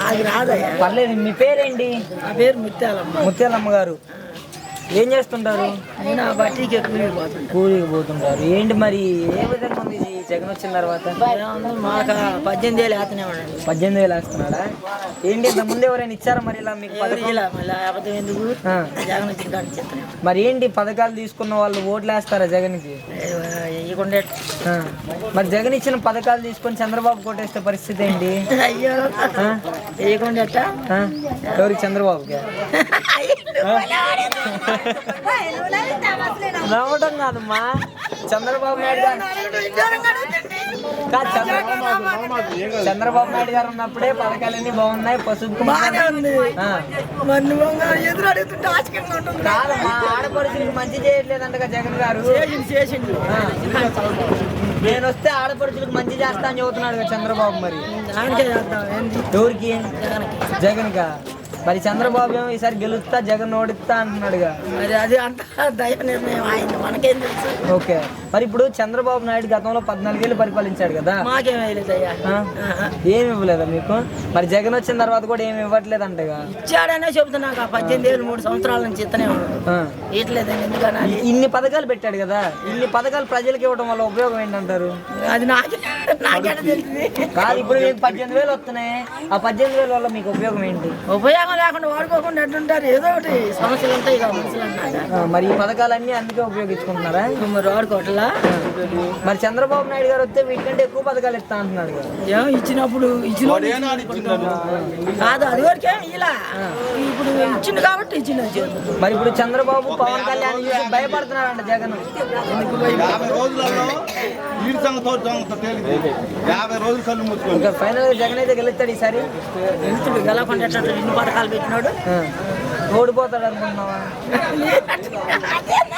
అది రాదయ్యా. పర్లేదు. మీ పేరేంటి? నా పేరు ముత్యాలమ్మ. ముత్యాలమ్మ గారు ఏం చేస్తుంటారు? నేను ఆ బట్టీకి కూలికి పోతుంటారు. ఏంటి మరి ఏ విధంగా ఉంది ఈ జగన్ వచ్చిన తర్వాత? మాకు 18,000 వేస్తూనే ఉండండి. 18,000 వేస్తున్నాడా? ఏంటి ఇంత ముందు ఎవరైనా ఇచ్చారా మరి ఇలా మీకు పథకం? మళ్ళీ అబద్ధం ఎందుకు? జగన్ వచ్చిన కాడికి చెప్తాను. మరి ఏంటి పథకాలు తీసుకున్న వాళ్ళు ఓట్లు వేస్తారా జగన్కి? ఇవ్వకుండా. మరి జగన్ ఇచ్చిన పథకాలు తీసుకొని చంద్రబాబు కొట్టేస్తే పరిస్థితి ఏంటి? అయ్యో వేయకుండా. ఎవరికి? చంద్రబాబుకి? నవ్వడం కాదమ్మా, చంద్రబాబు నాయుడు గారు. చంద్రబాబు నాయుడు గారు ఉన్నప్పుడే పథకాలన్నీ బాగున్నాయి. పసుపు కాదమ్మా, ఆడపడుచులకు మంచి చేయట్లేదంటగా జగన్ గారు. నేను వస్తే ఆడపడుచులకు మంచి చేస్తా అని చెబుతున్నాడు చంద్రబాబు. మరి ఎవరికి? జగన్ కా? మరి చంద్రబాబు ఏమో ఈసారి గెలుస్తా జగన్ ఓడిస్తా అంటున్నాడుగా. మరి అది అంత దైవ నిర్ణయం ఆయన, మనకేం తెలుసు. ఓకే, మరి ఇప్పుడు చంద్రబాబు నాయుడు గతంలో 14 ఏళ్ళు పరిపాలించాడు కదా. ఏమి ఇవ్వలేదా మీకు? మరి జగన్ వచ్చిన తర్వాత కూడా ఏమి ఇవ్వట్లేదు అంటగా. ఇచ్చాడనే చెబుతున్నా. 18,000 3 సంవత్సరాల నుంచి ఇస్తనే ఇట్లేదు. ఎందుకన్నా ఇన్ని పథకాలు పెట్టాడు కదా. ఇన్ని పథకాలు ప్రజలకు ఇవ్వడం వల్ల ఉపయోగం ఏంటంటారు? అది నాకే తెలిసింది కాదు. ఇప్పుడు మీకు 18,000 వస్తున్నాయి. ఆ 18,000 వల్ల మీకు ఉపయోగం ఏంటి? ఉపయోగం లేకుండా వాడుకోకుండా ఎట్టుంటారు. ఏదో ఒకటి సమస్యలు ఉంటాయి కదా. మరి ఈ పథకాలన్నీ అందుకే ఉపయోగించుకుంటున్నారా? మరి వాడుకోవట్లా. మరి చంద్రబాబు నాయుడు గారు వస్తే వీటికంటే ఎక్కువ పథకాలు ఇస్తా అంటున్నాడు కదా. ఇచ్చినప్పుడు కాదు, అది వరకే ఇలా ఇప్పుడు ఇచ్చింది కాబట్టి ఇచ్చింది. మరి ఇప్పుడు చంద్రబాబు పవన్ కళ్యాణ్ చూసి భయపడుతున్నారంట జగన్. ఫైనల్ గా జగన్ అయితే గెలుస్తాడు ఈసారి. గెలవకుండా ఇన్ని పథకాలు పెట్టినాడు. ఓడిపోతాడు అనుకుంటున్నావా?